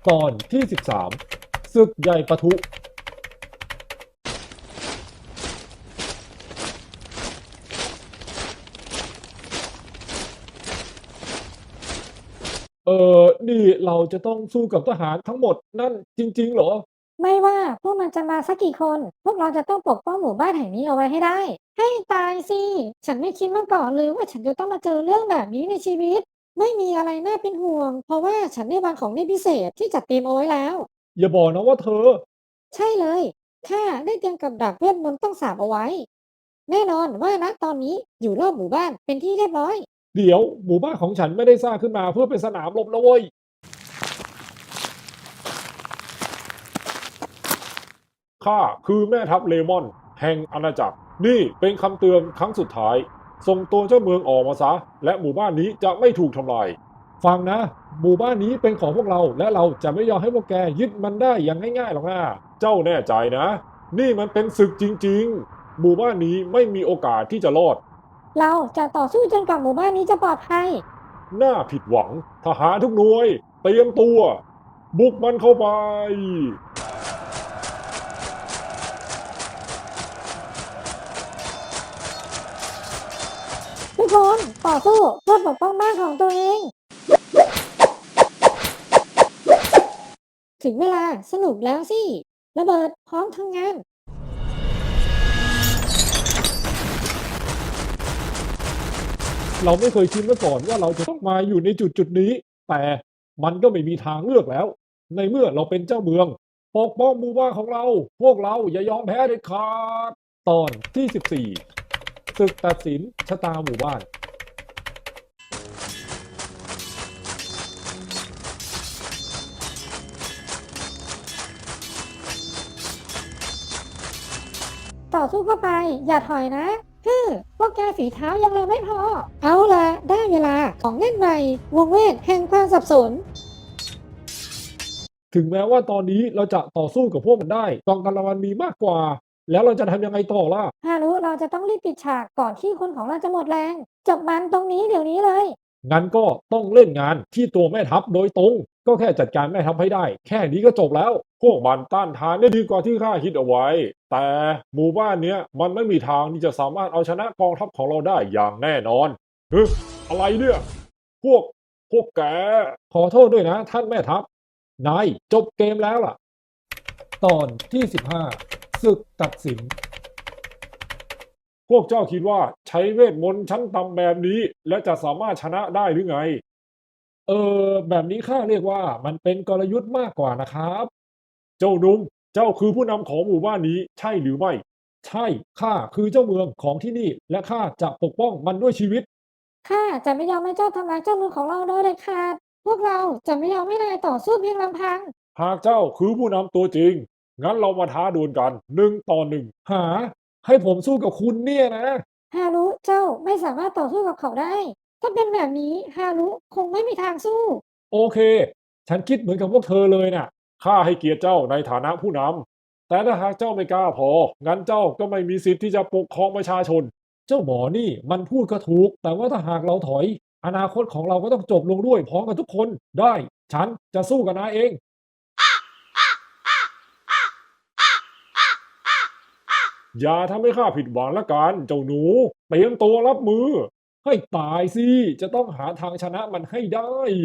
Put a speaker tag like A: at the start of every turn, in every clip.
A: ตอนที่13ศึกใหญ่ปะทุนี่เราจะต้องสู้กับทหารทั้งหมดนั่นจริงๆเหรอ
B: ไม่ว่าพวกมันจะมาสักกี่คน พวกเราจะต้องปกป้องหมู่บ้านแห่งนี้เอาไว้ให้ได้ ให้ตายสิ ฉันไม่คิดมาก่อนเลยว่าฉันจะต้องมาเจอเรื่องแบบนี้ในชีวิต ไม่มีอะไรน่าเป็นห่วง เพราะว่าฉันได้วางของเล่นพิเศษที่จัดเตรียมเอาไว้แล้ว
A: อย่าบอกนะว่าเธอ
B: ใช่เลยข้าได้เตรียมกับดักเวทมนต์ต้องสาปเอาไว้ แน่นอนว่าณตอนนี้อยู่รอบหมู่บ้านเป็นที่เรียบร้อย
A: เดี๋ยวหมู่บ้านของฉันไม่ได้สร้างขึ้นมาเพื่อเป็นสนามรบนะเว้ยข้าคือแม่ทัพเลมอนแห่งอาณาจักรนี่เป็นคำเตือนครั้งสุดท้ายส่งตัวเจ้าเมืองออกมาซะและหมู่บ้านนี้จะไม่ถูกทำลายฟังนะหมู่บ้านนี้เป็นของพวกเราและเราจะไม่ยอมให้พวกแกยึดมันได้อย่างง่ายๆหรอกนะเจ้าแน่ใจนะนี่มันเป็นศึกจริงๆหมู่บ้านนี้ไม่มีโอกาสที่จะรอด
B: เราจะต่อสู้จนกว่าหมู่บ้านนี้จะปลอดภัย
A: น่าผิดหวังทหารทุกหน่วยเตรียมตัวบุกมันเข้าไป
B: ทุกคนต่อสู้เพื่อปกป้องบ้านของตัวเอง ถึงเวลาสนุกแล้วสิระเบิดพร้อมทำงาน
A: เราไม่เคยคิดมาก่อนว่าเราจะต้องมาอยู่ในจุดนี้แต่มันก็ไม่มีทางเลือกแล้วในเมื่อเราเป็นเจ้าเมืองปกป้องหมู่บ้านของเราพวกเราอย่ายอมแพ้เด็ดขาดตอนที่14ศึกตัดสินชะตาหมู่บ้าน
B: ต่อสู้เข้าไปอย่าถอยนะพวกแกฝีเท้ายังเร็วไม่พอเอาละได้เวลาของเล่นใหม่วงเวทแห่งความสับสน
A: ถึงแม้ว่าตอนนี้เราจะต่อสู้กับพวกมันได้กองกำลังมันมีมากกว่าแล้วเราจะทำยังไงต่อล่ะ
B: ฮารุเราจะต้องรีบปิดฉากก่อนที่คนของเราจะหมดแรงจบมันตรงนี้เดี๋ยวนี้เลย
A: งั้นก็ต้องเล่นงานที่ตัวแม่ทัพโดยตรงก็แค่จัดการแม่ทัพให้ได้แค่นี้ก็จบแล้วพวกมันต้านทานได้ดีกว่าที่ข้าคิดเอาไว้แต่หมู่บ้านเนี้ยมันไม่มีทางที่จะสามารถเอาชนะกองทัพของเราได้อย่างแน่นอนเฮ้ยอะไรเนี่ยพวกแกขอโทษด้วยนะท่านแม่ทัพนายจบเกมแล้วล่ะตอนที่15ศึกตัดสิน พวกเจ้าคิดว่าใช้เวทมนต์ชั้นต่ำแบบนี้และจะสามารถชนะได้หรือไงแบบนี้ข้าเรียกว่ามันเป็นกลยุทธ์มากกว่านะครับเจ้าหนุ่มเจ้าคือผู้นำของหมู่บ้านนี้ใช่หรือไม่ใช่ข้าคือเจ้าเมืองของที่นี่และข้าจะปกป้องมันด้วยชีวิต
B: ข้าจะไม่ยอมให้เจ้าทำลายเจ้ามือของเราโดยเด็ดขาดพวกเราจะไม่ยอมให้นายต่อสู้เพียงลำพัง
A: หากเจ้าคือผู้นำตัวจริงงั้นเรามาท้าดวลกัน1 ต่อ 1หาให้ผมสู้กับคุณเนี่ยนะ
B: ฮารุเจ้าไม่สามารถต่อสู้กับเขาได้ ถ้าเป็นแบบนี้ฮารุคงไม่มีทางสู้
A: โอเค ฉันคิดเหมือนกับพวกเธอเลยน่ะข้าให้เกียรติเจ้าในฐานะผู้นำ แต่ถ้าหากเจ้าไม่กล้าพอ งั้นเจ้าก็ไม่มีสิทธิ์ที่จะปกครองประชาชน เจ้าหมอนี่มันพูดก็ถูก แต่ว่าถ้าหากเราถอย อนาคตของเราก็ต้องจบลงด้วยพร้อมกันทุกคน ได้ ฉันจะสู้กับนายเอง อย่าทำให้ข้าผิดหวังละกันเจ้าหนูเตรียมตัวรับมือ ให้ตายสิ จะต้องหาทางชนะมันให้ได้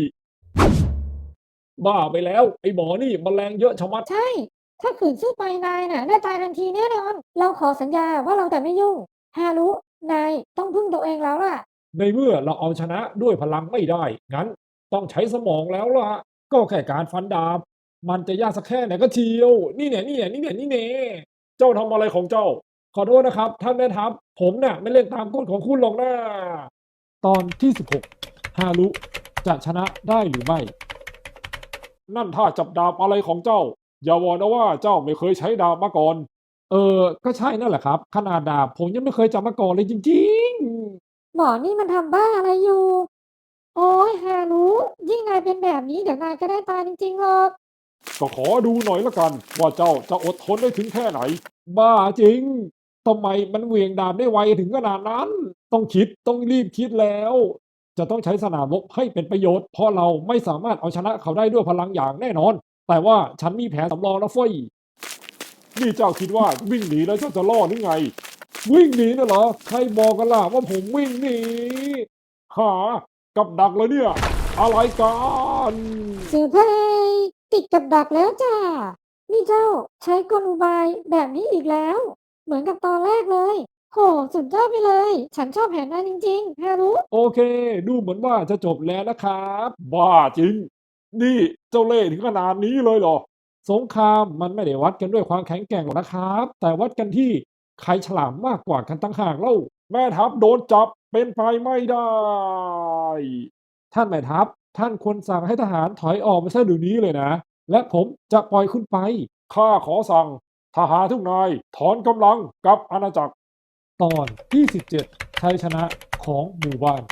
A: บ้าไปแล้วไอ้หมอนี่มแมลงเยอะชะมัด
B: ใช่ ถ้าขืนสู้ไปนายน่ะได้ตายทันทีแน่นอน เราขอสัญญาว่าเราจะไม่ยุ่งฮารุนายต้องพึ่งตัวเองแล้วล่ะ
A: ในเมื่อเราเอาชนะด้วยพลังไม่ได้ งั้นต้องใช้สมองแล้วล่ะ ก็แค่การฟันดาบ มันจะยากสักแค่ไหนก็เชียว นี่เนี่ยนี่เนี่ยนี่เนี่ยนี่เนี่ยเจ้าทำอะไรของเจ้า ขอโทษนะครับท่านแม่ทัพผมน่ะไม่เล่นตามกฎของคุณหรอกนะตอนที่16ฮารุจะชนะได้หรือไม่ นั่นท่าจับดาบอะไรของเจ้า อย่าบอกนะว่าเจ้าไม่เคยใช้ดาบมาก่อน ก็ใช่นั่นแหละครับ ขนาดดาบผมยังไม่เคยจับมาก่อนเลยจริงๆ
B: หมอนี่มันทำบ้าอะไรอยู่ โอ้ยฮารุยิ่งนายเป็นแบบนี้เดี๋ยวนายก็ได้ตายจริงๆหรอก
A: ก็ขอดูหน่อยละกันว่าเจ้าจะอดทนได้ถึงแค่ไหนบ้าจริงทำไมมันเหวี่ยงดาบได้ไวถึงขนาดนั้นต้องคิดต้องรีบคิดแล้วจะต้องใช้สนามรบให้เป็นประโยชน์เพราะเราไม่สามารถเอาชนะเขาได้ด้วยพลังอย่างแน่นอนแต่ว่าฉันมีแผนสำรองนะเฟ้ยนี่เจ้าคิดว่าวิ่งหนีแล้วเจ้าจะรอดหรือไงวิ่งหนีน่ะเหรอใครบอกกันล่ะว่าผมวิ่งหนีหากับดักเลยเนี่ยอะไรกัน
B: เซอร์ไพรส์ติดกับดักแล้วจ้านี่เจ้าใช้กลอุบายแบบนี้อีกแล้ว เหมือนกับตอนแรกเลยโหสุดยอดไปเลย ฉันชอบแผนนั้นจริงๆฮารุ
A: โอเคดูเหมือนว่าจะจบแล้วนะครับบ้าจริงนี่เจ้าเล่ห์ถึงขนาดนี้เลยเหรอสงครามมันไม่ได้วัดกันด้วยความแข็งแกร่งหรอกนะครับแต่วัดกันที่ใครฉลาดมากกว่ากันต่างหากเล่าแม่ทัพโดนจับเป็นไปไม่ได้ท่านแม่ทัพท่านควรสั่งให้ทหารถอยออกไปซะเดี๋ยวนี้เลยนะและผมจะปล่อยคุณไปข้าขอสั่งทหารทุกนายถอนกำลังกลับอาณาจักรตอนที่17ชัยชนะของหมู่บ้าน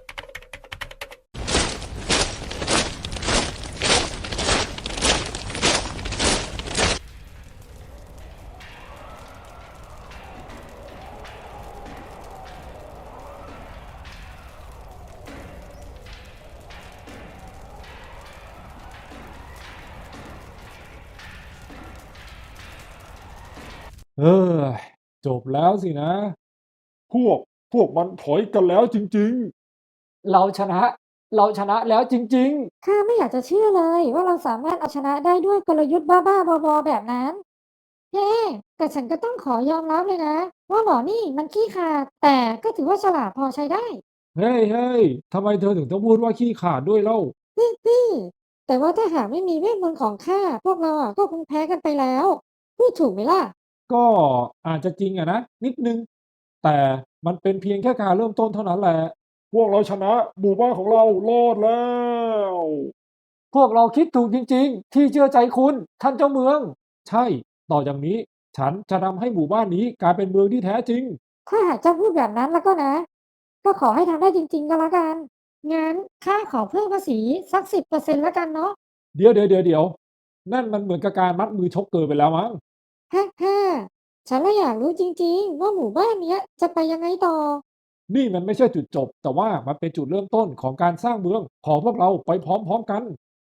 A: เออจบแล้วสินะ พวกพวกมันถอยกันแล้วจริงๆเราชนะเราชนะแล้วจริง
B: ข้าไม่อยากจะเชื่อเลยว่าเราสามารถเอาชนะได้ด้วยกลยุทธ์บ้าๆบอๆแบบนั้นเฮ้แต่ฉันก็ต้องขอยอมรับเลยนะว่าหมอนี่มันขี้ขลาดแต่ก็ถือว่าฉลาดพอใช้ได้
A: ๆเฮ้ยเฮ้ยทำไมเธอถึงต้องพูดว่าขี้ขลาดด้วยเล่า
B: ฮึ่มแต่ว่าถ้าหากไม่มีเวทมนต์ของข้าพวกเราอะก็คงแพ้กันไปแล้วพูดถูกไหมล่ะ
A: ก็อาจจะจริงอะนะนิดนึงแต่มันเป็นเพียงแค่การเริ่มต้นเท่านั้นแหละพวกเราชนะหมู่บ้านของเรารอดแล้วพวกเราคิดถูกจริงๆที่เชื่อใจคุณท่านเจ้าเมืองใช่ต่อจากนี้ฉันจะทำให้หมู่บ้านนี้กลายเป็นเมืองที่แท้จริง
B: ถ้าหากเจ้าพูดแบบนั้นแล้วก็นะก็ขอให้ทำได้จริงๆก็แล้วกันงั้นข้าขอเพิ่มภาษีสัก10%แล้วกันเนาะ
A: เดี๋ยวนั่นมันเหมือนกับการมัดมือชกเกินไปแล้วมั้ง
B: ฮ่าฉันเลยอยากรู้จริงๆว่าหมู่บ้านเนี้ยจะไปยังไงต่อ
A: นี่มันไม่ใช่จุดจบแต่ว่ามันเป็นจุดเริ่มต้นของการสร้างเมืองของพวกเราไปพร้อมๆกัน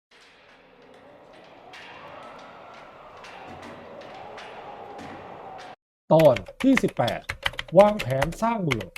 A: ตอนที่18วางแผนสร้างเมือง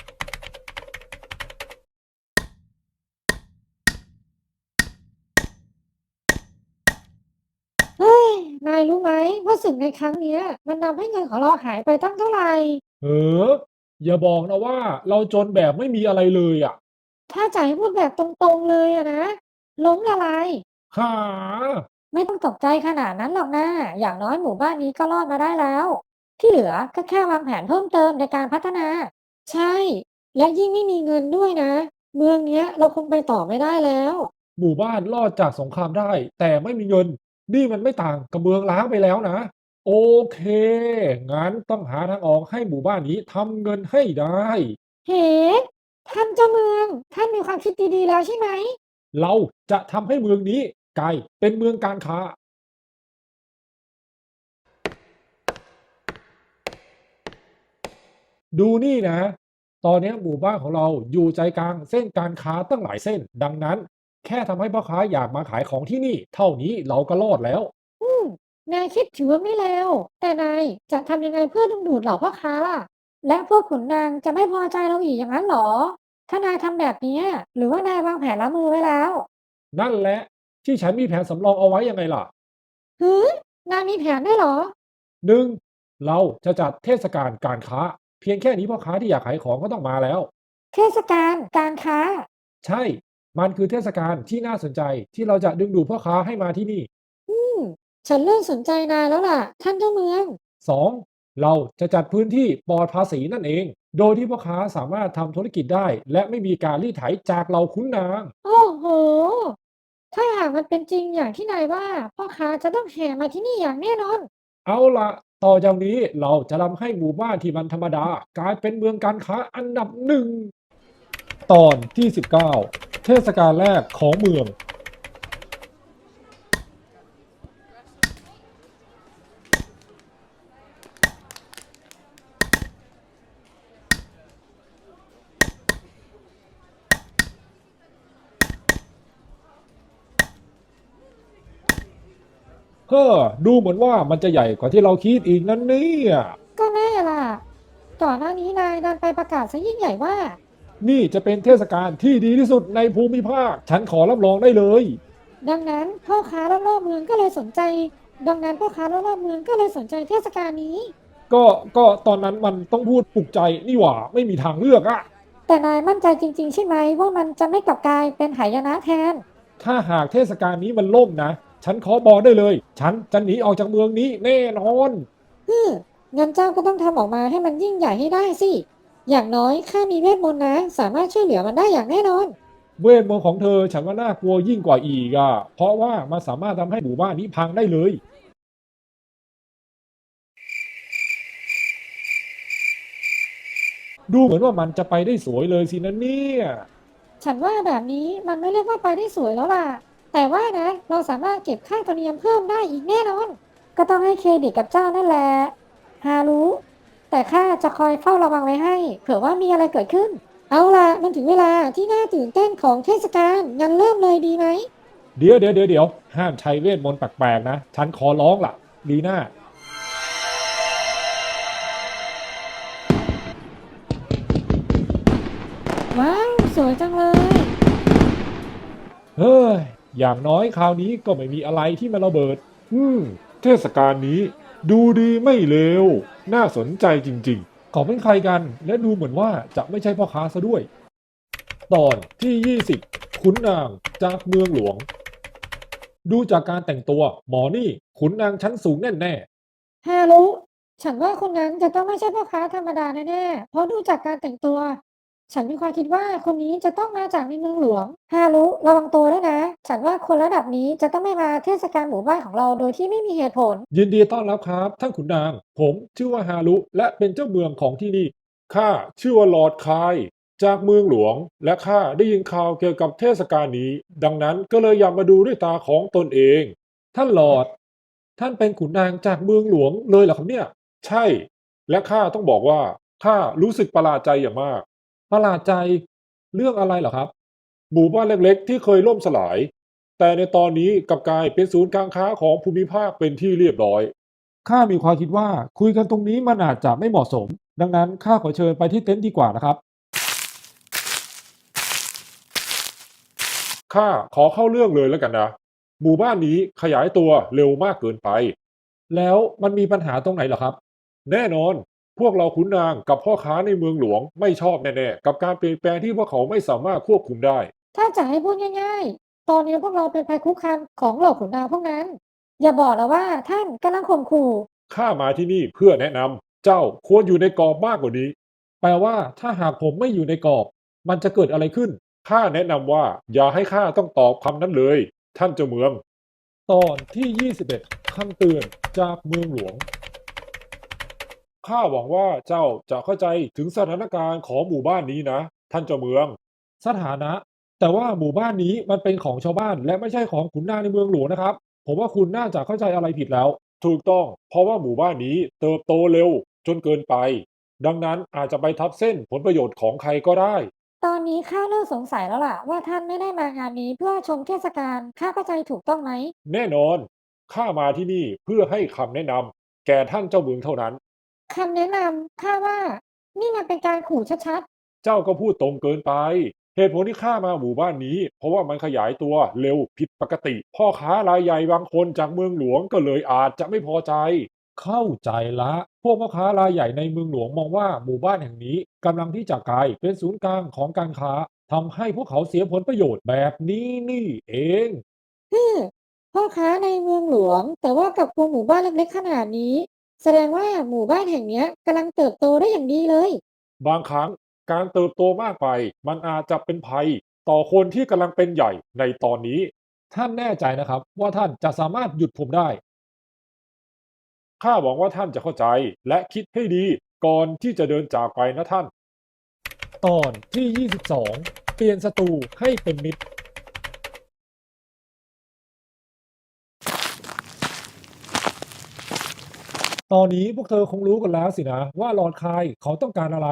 B: เฮ้ยนายรู้ไหมว่าศึกในครั้งเนี้ยมันทำให้เงินของเราหายไปตั้งเท่าไหร่
A: เอออย่าบอกนะว่าเราจนแบบไม่มีอะไรเลยอ่ะ
B: ถ้าจะให้พูดแบบตรงๆเลยอะนะล้มละลาย
A: หา
B: ไม่ต้องตกใจขนาดนั้นหรอกนะอย่างน้อยหมู่บ้านนี้ก็รอดมาได้แล้ว ที่เหลือก็แค่วางแผนเพิ่มเติมในการพัฒนา ใช่ และยิ่งไม่มีเงินด้วยนะ เมืองเนี้ยเราคงไปต่อไม่ได้แล้ว
A: หมู่บ้านรอดจากสงครามได้แต่ไม่มีเงินนี่มันไม่ต่างกับเมืองล้างไปแล้วนะโอเคงั้นต้องหาทางออกให้หมู่บ้านนี้ทำเงินให้ได้
B: เฮ้ท่านเจ้าเมือง ท่านมีความคิดดีๆแล้วใช่ไหม
A: เราจะทำให้เมืองนี้กลายเป็นเมืองการค้าดูนี่นะตอนนี้หมู่บ้านของเราอยู่ใจกลางเส้นการค้าตั้งหลายเส้นดังนั้นแค่ทำให้พ่อค้าอยากมาขายของที่นี่เท่านี้เราก็รอดแล้ว
B: อืมนายคิดถือว่าไม่เลวแต่นายจะทำยังไงเพื่อดึงดูดเหล่าพ่อค้าล่ะและพวกขุนนางจะไม่พอใจเราอีกอย่างนั้นเหรอถ้านายทำแบบเนี้ยหรือว่านายวางแผนรับมือไว้แล้ว
A: นั่นแหละที่ฉันมีแผนสำรองเอาไว้ยังไงล่ะ
B: หือนายมีแผนด้วยเหรอ
A: หนึ่งเราจะจัดเทศกาลการค้าเพียงแค่นี้พ่อค้าที่อยากขายของก็ต้องมาแล้ว
B: เทศกาลการค้า
A: ใช่มันคือเทศกาลที่น่าสนใจที่เราจะดึงดูดพ่อค้าให้มาที่นี่
B: อืมฉันเริ่มสนใจนายแล้วล่ะท่านเจ้าเมือง
A: 2. เราจะจัดพื้นที่ปลอดภาษีนั่นเอง โดยที่พ่อค้าสามารถทำธุรกิจได้และไม่มีการรีดไถจากเราคุ้นนาง
B: โอ้โหถ้าหากมันเป็นจริงอย่างที่นายว่าพ่อค้าจะต้องแห่มาที่นี่อย่างแน่นอน
A: เอาละต่อจากนี้เราจะทำให้หมู่บ้านที่มันธรรมดากลายเป็นเมืองการค้าอันดับหนึ่งตอนที่19เทศกาลแรกของเมืองเฮ้อดูเหมือนว่ามันจะใหญ่กว่าที่เราคิดอีกนั่นเนี่ย
B: ก็แน่ล่ะก่อนหน้านี้นายดันไปประกาศซะยิ่งใหญ่ว่า
A: นี่จะเป็นเทศกาลที่ดีที่สุดในภูมิภาคฉันขอรับรองได้เลย
B: ดังนั้นพ่อค้ารอบๆเมืองก็เลยสนใจดังนั้นพ่อค้ารอบๆเมืองก็เลยสนใจเทศกาลนี้
A: ก็ตอนนั้นมันต้องพูดปลุกใจนี่หว่าไม่มีทางเลือกอะ
B: แต่นายมั่นใจจริงๆใช่ไหมว่ามันจะไม่กลับกลายเป็นหายนะแทน
A: ถ้าหากเทศกาลนี้มันล่มนะฉันขอบอกได้เลยฉันจะหนีออกจากเมืองนี้แน่นอน
B: ฮึมงั้นเจ้าก็ต้องทำออกมาให้มันยิ่งใหญ่ให้ได้สิ อย่างน้อยข้ามีเวทมนต์นะสามารถช่วยเหลือมันได้อย่างแน่นอน
A: เวทมนต์ของเธอฉันว่าน่ากลัวยิ่งกว่าอีกอะเพราะว่ามันสามารถทำให้หมู่บ้านนี้พังได้เลยดูเหมือนว่ามันจะไปได้สวยเลยสินะเนี่ย
B: ฉันว่าแบบนี้มันไม่เรียกว่าไปได้สวยแล้วล่ะ แต่ว่านะเราสามารถเก็บค่าธรรมเนียมเพิ่มได้อีกแน่นอน ก็ต้องให้เครดิตกับเจ้านั่นแหละฮารู้แต่ข้าจะคอยเฝ้าระวังไว้ให้เผื่อว่ามีอะไรเกิดขึ้น เอาล่ะมันถึงเวลาที่น่าตื่นเต้นของเทศกาลงั้นเริ่มเลยดีไหม
A: เดี๋ยวห้ามใช้เวทมนต์แปลกๆนะฉันขอร้องล่ะดีน่า
B: ว้าวสวยจังเลย
A: เฮ้ย อย่างน้อยคราวนี้ก็ไม่มีอะไรที่มันระเบิด เทศกาลนี้ดูดีไม่เลว น่าสนใจจริงๆเขาเป็นใครกัน และดูเหมือนว่าจะไม่ใช่พ่อค้าซะด้วย ตอนที่ 20ขุนนางจากเมืองหลวง ดูจากการแต่งตัวหมอนี่ขุนนางชั้นสูงแน่
B: ฮารุฉันว่าคนนั้นจะต้องไม่ใช่พ่อค้าธรรมดาแน่ๆเพราะดูจากการแต่งตัว ฉันมีความคิดว่าคนนี้จะต้องมาจากในเมืองหลวงฮารุระวังตัวด้วยนะ ฉันว่าคนระดับนี้จะต้องไม่มาเทศกาลหมู่บ้านของเราโดยที่ไม่มีเหตุผล
A: ๆ ยินดีต้อนรับครับท่านขุนนาง ผมชื่อว่าฮารุและเป็นเจ้าเมืองของที่นี่ ข้าชื่อว่าลอร์ดคายจากเมืองหลวงและข้าได้ยินข่าวเกี่ยวกับเทศกาลนี้ดังนั้นก็เลยอยากมาดูด้วยตาของตนเองท่านลอร์ดท่านเป็นขุนนางจากเมืองหลวงเลยเหรอครับเนี่ยใช่และข้าต้องบอกว่าข้ารู้สึกประหลาดใจอย่างมากประหลาดใจเรื่องอะไรเหรอครับหมู่บ้านเล็กๆที่เคยล่มสลายแต่ในตอนนี้กลับกลายเป็นศูนย์การค้าของภูมิภาคเป็นที่เรียบร้อย ข้ามีความคิดว่าคุยกันตรงนี้มันอาจจะไม่เหมาะสมดังนั้นข้าขอเชิญไปที่เต็นท์ดีกว่านะครับข้าขอเข้าเรื่องเลยแล้วกันนะหมู่บ้านนี้ขยายตัวเร็วมากเกินไปแล้วมันมีปัญหาตรงไหนเหรอครับแน่นอนพวกเราขุนนางกับพ่อค้าในเมืองหลวงไม่ชอบแน่ๆกับการเปลี่ยนแปลงที่พวกเขาไม่สามารถควบคุมได้
B: ถ้าจะให้พูดง่ายๆ ตอนนี้พวกเราเป็นภัยคุกคามของเหล่าขุนนางพวกนั้น อย่าบอกนะว่าท่านกำลังข่มขู่
A: ข้ามาที่นี่เพื่อแนะนำเจ้าควรอยู่ในกรอบมากกว่านี้แปลว่าถ้าหากผมไม่อยู่ในกรอบมันจะเกิดอะไรขึ้นข้าแนะนำว่าอย่าให้ข้าต้องตอบคำนั้นเลยท่านเจ้าเมืองตอนที่21คำเตือนจากเมืองหลวงข้าหวังว่าเจ้าจะเข้าใจถึงสถานการณ์ของหมู่บ้านนี้นะท่านเจ้าเมืองสถานะแต่ว่าหมู่บ้านนี้มันเป็นของชาวบ้านและไม่ใช่ของขุนนางในเมืองหลวงนะครับผมว่าคุณน่าจะเข้าใจอะไรผิดแล้ว ถูกต้องเพราะว่าหมู่บ้านนี้เติบโตเร็วจนเกินไปดังนั้นอาจจะไปทับเส้นผลประโยชน์ของใครก็ได้
B: ตอนนี้ข้าเริ่มสงสัยแล้วล่ะว่าท่านไม่ได้มางานนี้เพื่อชมเทศกาลข้าเข้าใจถูกต้องไหม
A: แน่นอนข้ามาที่นี่เพื่อให้คำแนะนำแก่ท่านเจ้าเมืองเท่านั้น
B: คำแนะนำข้าว่านี่มันเป็นการขู่ชัด
A: เจ้าก็พูดตรงเกินไปเหตุผลที่ข้ามาหมู่บ้านนี้เพราะว่ามันขยายตัวเร็วผิดปกติพ่อค้ารายใหญ่บางคนจากเมืองหลวงก็เลยอาจจะไม่พอใจเข้าใจละพวกพ่อค้ารายใหญ่ในเมืองหลวงมองว่าหมู่บ้านแห่งนี้กำลังที่จะกลายเป็นศูนย์กลางของการค้าทำให้พวกเขาเสียผลประโยชน์แบบนี้นี่เอง
B: ๆฮึมพ่อค้าในเมืองหลวงแต่ว่ากับกลุ่มหมู่บ้านเล็กๆขนาดนี้แสดงว่าหมู่บ้านแห่งเนี้ยกำลังเติบโตได้อย่างดีเลย
A: บางครั้งการเติบโตมากไปมันอาจจะเป็นภัยต่อคนที่กำลังเป็นใหญ่ในตอนนี้ท่านแน่ใจนะครับว่าท่านจะสามารถหยุดผมได้ข้าหวังว่าท่านจะเข้าใจและคิดให้ดีก่อนที่จะเดินจากไปนะท่านตอนที่22เปลี่ยนศัตรูให้เป็นมิตร ตอนนี้พวกเธอคงรู้กันแล้วสินะว่าลอร์ดคายเขาต้องการอะไร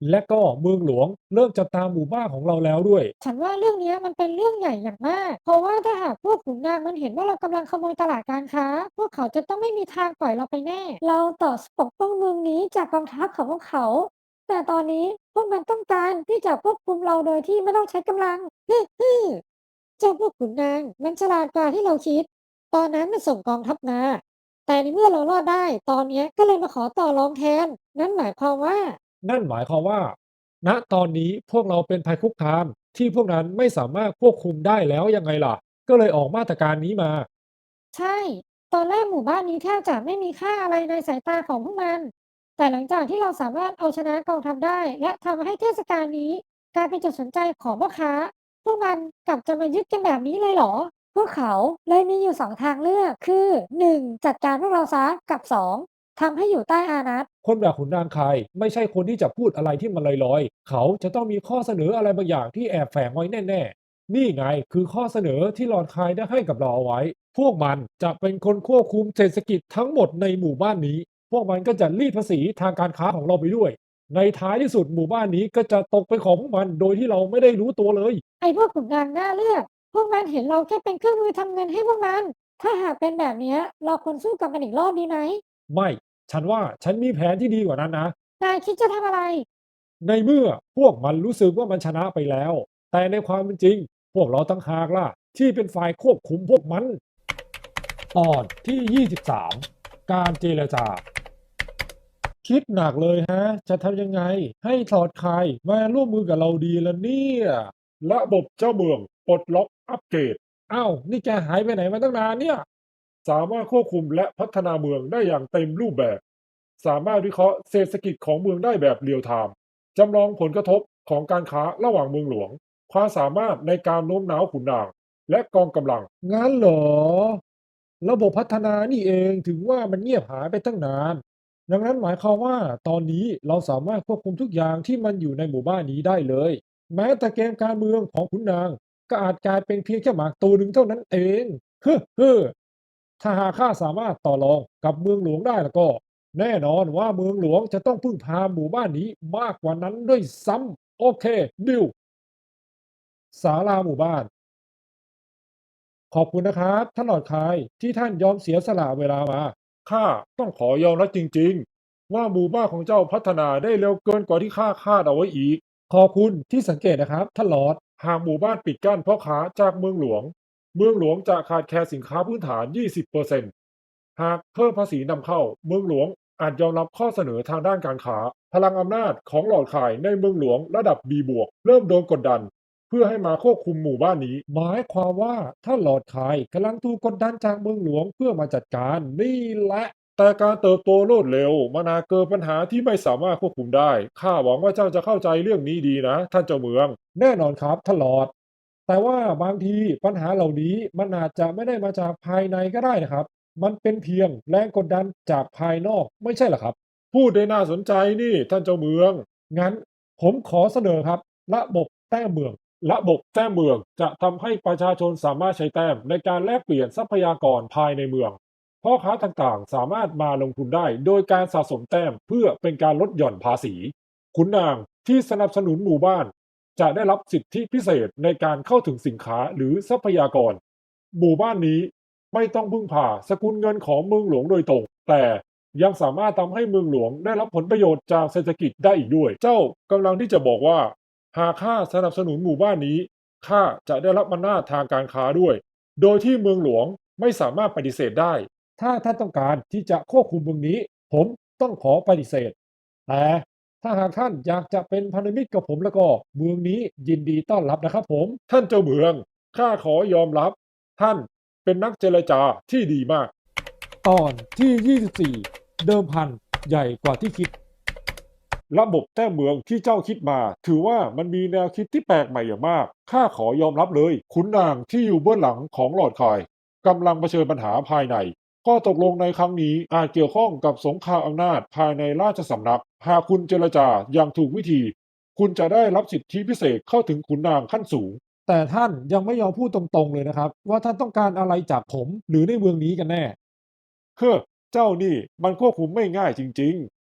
A: และก็เมืองหลวงเริ่มจับตามหมู่บ้านของเราแล้วด้วย
B: ฉันว่าเรื่องเนี้ยมันเป็นเรื่องใหญ่อย่างมาก เพราะว่าถ้าหากพวกขุนนางมันเห็นว่าเรากำลังขโมยตลาดการค้า พวกเขาจะต้องไม่มีทางปล่อยเราไปแน่ เราต่อปกป้องเมืองนี้จากกองทัพของพวกเขา แต่ตอนนี้พวกมันต้องการที่จะควบคุมเราโดยที่ไม่ต้องใช้กำลังฮึ่เจ้าพวกขุนนางมันฉลาดกว่าที่เราคิด ตอนนั้นมันส่งกองทัพมา แต่ในเมื่อเรารอดได้ ตอนเนี้ยก็เลยมาขอต่อรองแทน นั่นหมายความว่า
A: นั่นหมายความว่าณตอนนี้พวกเราเป็นภัยคุกคามที่พวกนั้นไม่สามารถควบคุมได้แล้วยังไงล่ะก็เลยออกมาตรการนี้มา
B: ใช่ ตอนแรกหมู่บ้านนี้แทบจะไม่มีค่าอะไรในสายตาของพวกมัน แต่หลังจากที่เราสามารถเอาชนะกองทัพได้และทำให้เทศกาลนี้กลายเป็นจุดสนใจของพ่อค้า พวกมันกลับจะมายึดกันแบบนี้เลยเหรอ พวกเขาเลยมีอยู่สองทางเลือกคือ1จัดการพวกเราซะกับ2ทำให้อยู่ใต้อานัต
A: คนแบบขุนนางคายไม่ใช่คนที่จะพูดอะไรที่มันลอยๆเขาจะต้องมีข้อเสนออะไรบางอย่างที่แอบแฝงไว้แน่ๆนี่ไงคือข้อเสนอที่หลอร์ดคายได้ให้กับเราเอาไว้พวกมันจะเป็นคนควบคุมเศรษฐกิจทั้งหมดในหมู่บ้านนี้พวกมันก็จะรีดภาษีทางการค้าของเราไปด้วยในท้ายที่สุดหมู่บ้านนี้ก็จะตกเป็นของพวกมันโดยที่เราไม่ได้รู้ตัวเลย
B: ไอ้พวกขุนนางน่าเลือก พวกมันเห็นเราแค่เป็นเครื่องมือทำเงินให้พวกมัน ถ้าหากเป็นแบบเนี้ยเราควรสู้กับมันอีกรอบดีไหม
A: ไม่ฉันว่าฉันมีแผนที่ดีกว่านั้นนะ
B: นายคิดจะทำอะไร
A: ในเมื่อพวกมันรู้สึกว่ามันชนะไปแล้ว แต่ในความเป็นจริงพวกเราตั้งหากล่ะที่เป็นฝ่ายควบคุมพวกมันตอนที่23การเจรจาคิดหนักเลยฮะจะทำยังไงให้ถอดคายมาร่วมมือกับเราดีละเนี่ยระบบเจ้าเมืองปลดล็อกอัปเกรดอ้าวนี่แกหายไปไหนมาตั้งนานเนี่ยสามารถควบคุมและพัฒนาเมืองได้อย่างเต็มรูปแบบ สามารถวิเคราะห์เศรษฐกิจของเมืองได้แบบเรียลไทม์จำลองผลกระทบของการค้าระหว่างเมืองหลวงความสามารถในการโน้มน้าวขุนนางและกองกำลังงั้นเหรอระบบพัฒนานี่เองถึงว่ามันเงียบหายไปตั้งนานดังนั้นหมายความว่าตอนนี้เราสามารถควบคุมทุกอย่างที่มันอยู่ในหมู่บ้านนี้ได้เลยแม้แต่เกมการเมืองของขุนนางก็อาจกลายเป็นเพียงแค่หมากตัวหนึ่งเท่านั้นเองเฮ้อถ้าหากข้าสามารถต่อรองกับเมืองหลวงได้แล้วก็ แน่นอนว่าเมืองหลวงจะต้องพึ่งพาหมู่บ้านนี้มากกว่านั้นด้วยซ้ำโอเคดิวศาลาหมู่บ้านขอบคุณนะครับท่านหลอร์ดคายที่ท่านยอมเสียสละเวลามาข้าต้องขอยอมรับจริงๆว่าหมู่บ้านของเจ้าพัฒนาได้เร็วเกินกว่าที่ข้าคาดเอาไว้อีกขอบคุณที่สังเกตนะครับท่านหลอร์ดหากหมู่บ้านปิดกั้นพ่อค้าจากเมืองหลวงเมืองหลวงจะขาดแคลนสินค้าพื้นฐาน 20%หากเพิ่มภาษีนำเข้าเมืองหลวงอาจยอมรับข้อเสนอทางด้านการค้าพลังอำนาจของหลอร์ดขายในเมืองหลวงระดับ B บวกเริ่มโดนกดดันเพื่อให้มาควบคุมหมู่บ้านนี้หมายความว่าถ้าหลอร์ดขายกำลังถูกกดดันจากเมืองหลวงเพื่อมาจัดการนี่แหละแต่การเติบโตรวดเร็วมันอาจเกิดปัญหาที่ไม่สามารถควบคุมได้ข้าหวังว่าเจ้าจะเข้าใจเรื่องนี้ดีนะท่านเจ้าเมืองแน่นอนครับท่านหลอร์ดแต่ว่าบางทีปัญหาเหล่านี้มันอาจจะไม่ได้มาจากภายในก็ได้นะครับ มันเป็นเพียงแรงกดดันจากภายนอกไม่ใช่เหรอครับพูดได้น่าสนใจนี่ท่านเจ้าเมืองงั้นผมขอเสนอครับระบบแต้มเมืองระบบแต้มเมืองจะทำให้ประชาชนสามารถใช้แต้มในการแลกเปลี่ยนทรัพยากรภายในเมืองพ่อค้าต่างๆสามารถมาลงทุนได้โดยการสะสมแต้มเพื่อเป็นการลดหย่อนภาษีขุนนางที่สนับสนุนหมู่บ้านจะได้รับสิทธิพิเศษในการเข้าถึงสินค้าหรือทรัพยากรหมู่บ้านนี้ ไม่ต้องพึ่งพาสกุลเงินของเมืองหลวงโดยตรงแต่ยังสามารถทำให้เมืองหลวงได้รับผลประโยชน์จากเศรษฐกิจได้อีกด้วยเจ้ากำลังที่จะบอกว่าหากข้าสนับสนุนหมู่บ้านนี้ข้าจะได้รับอำนาจทางการค้าด้วยโดยที่เมืองหลวงไม่สามารถปฏิเสธได้ถ้าท่านต้องการที่จะควบคุมเมืองนี้ผมต้องขอปฏิเสธแต่ถ้าหากท่านอยากจะเป็นพันธมิตรกับผมแล้วก็เมืองนี้ยินดีต้อนรับนะครับผมท่านเจ้าเมืองข้าขอยอมรับท่าน เป็นนักเจรจาที่ดีมาก ตอนที่ 24 เดิมพันใหญ่กว่าที่คิด ระบบแต้มเมืองที่เจ้าคิดมาถือว่ามันมีแนวคิดที่แปลกใหม่อย่างมากข้าขอยอมรับเลยขุนนางที่อยู่เบื้องหลังของหลอดคายกำลังเผชิญปัญหาภายในข้อตกลงในครั้งนี้อาจเกี่ยวข้องกับสงครามอำนาจภายในราชสำนักหากคุณเจรจาอย่างถูกวิธีคุณจะได้รับสิทธิพิเศษเข้าถึงขุนนางขั้นสูง แต่ท่านยังไม่ยอมพูดตรงๆเลยนะครับว่าท่านต้องการอะไรจากผมหรือในเมืองนี้กันแน่เฮ้อเจ้านี่มันควบคุมไม่ง่ายจริง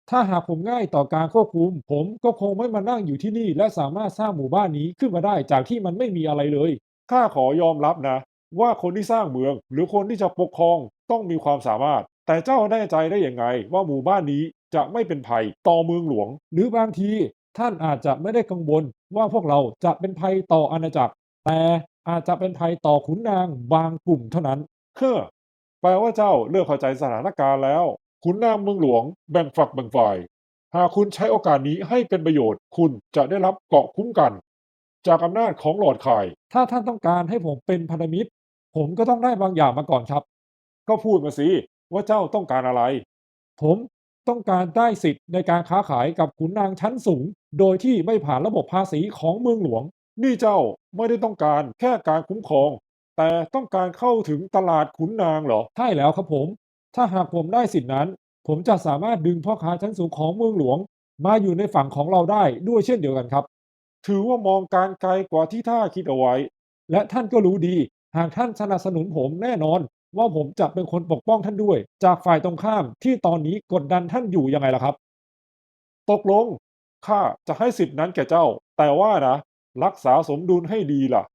A: ถ้าหากผมง่ายต่อการควบคุมผมก็คงไม่มานั่งอยู่ที่นี่และสามารถสร้างหมู่บ้านนี้ขึ้นมาได้จากที่มันไม่มีอะไรเลยข้าขอยอมรับนะว่าคนที่สร้างเมืองหรือคนที่จะปกครองต้องมีความสามารถแต่เจ้าแน่ใจได้ยังไงว่าหมู่บ้านนี้จะไม่เป็นภัยต่อเมืองหลวงหรือบางทีท่านอาจจะไม่ได้กังวลว่าพวกเราจะเป็นภัยต่ออาณาจักรแต่อาจจะเป็นภัยต่อขุนนางบางกลุ่มเท่านั้นเฮ้อแปลว่าเจ้าเริ่มเข้าใจสถานการณ์แล้ว ขุนนางเมืองหลวงแบ่งฝักแบ่งฝ่าย หากคุณใช้โอกาสนี้ให้เป็นประโยชน์ คุณจะได้รับเกราะคุ้มกัน จากอำนาจของหลอร์ดคายถ้าท่านต้องการให้ผมเป็นพันธมิตรผมก็ต้องได้บางอย่างมาก่อนครับ ก็พูดมาสิว่าเจ้าต้องการอะไร ผมต้องการได้สิทธิ์ในการค้าขายกับขุนนางชั้นสูง โดยที่ไม่ผ่านระบบภาษีของเมืองหลวง นี่เจ้าไม่ได้ต้องการแค่การคุ้มครอง แต่ต้องการเข้าถึงตลาดขุนนางเหรอใช่แล้วครับผม ถ้าหากผมได้สิทธินั้นผมจะสามารถดึงพ่อค้าชั้นสูงของเมืองหลวงมาอยู่ในฝั่งของเราได้ด้วยเช่นเดียวกันครับถือว่ามองการไกลกว่าที่ท่าคิดเอาไว้และท่านก็รู้ดีหากท่านสนับสนุนผมแน่นอนว่าผมจะเป็นคนปกป้องท่านด้วยจากฝ่ายตรงข้ามที่ตอนนี้กดดันท่านอยู่ยังไงล่ะครับตกลงข้าจะให้สิทธินั้นแก่เจ้าแต่ว่านะรักษาสมดุลให้ดีล่ะ